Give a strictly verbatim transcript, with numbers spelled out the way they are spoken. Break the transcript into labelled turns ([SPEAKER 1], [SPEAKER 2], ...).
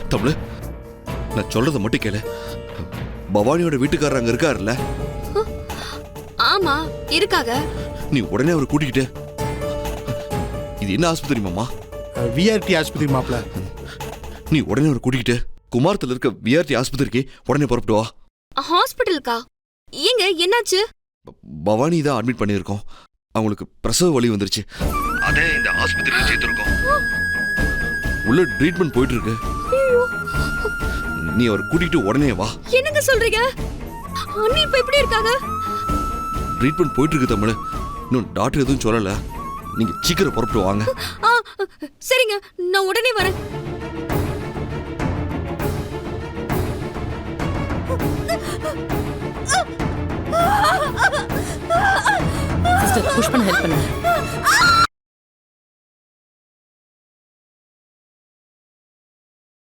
[SPEAKER 1] தமிழ், நான் சொல்றத மட்டும் கேளு. பவானியோட வீட்டுக்காரர் அங்க இருக்காருல்ல?
[SPEAKER 2] ஆமா இருக்காக.
[SPEAKER 1] நீ உடனே அவரை கூட்டிக்கிட்டு. இது என்ன ஆஸ்பத்திரி மாமா?
[SPEAKER 3] விஆர்டி ஆஸ்பத்திரி மாப்ள.
[SPEAKER 1] நீ உடனே அவரை கூட்டிக்கிட்டு குமாரத்துல இருக்க விஆர்டி ஆஸ்பத்திரிக்கு உடனே புறப்பட்டு வா.
[SPEAKER 2] ஹாஸ்பிட்டலுக்கா? ஏங்க என்னாச்சு?
[SPEAKER 1] பவானி தான் அட்மிட் பண்ணியிருக்கோம். அவங்களுக்கு பிரசவ வலி வந்துருச்சு. அதே இந்த ஆஸ்பத்திரியில சேர்த்திருக்கோம். உள்ள ட்ரீட்மெண்ட் போயிட்டு இருக்கு. நீ அவர் கூட்டிட்டு உடனே வா.
[SPEAKER 2] என்னங்க சொல்றீங்க? அண்ணி இப்ப எப்படி இருக்காங்க?
[SPEAKER 1] ட்ரீட்மெண்ட் போயிட்டு இருக்கு தமிழ். இன்னும் டாக்டர் எதுவும் சொல்லல. நீங்க சீக்கிரம் புறப்பட்டு வாங்க.
[SPEAKER 2] சரிங்க, நான் உடனே வரேன்.
[SPEAKER 4] சிஸ்டர் புஷ் பண்ண ஹெல்ப் பண்ணுங்க.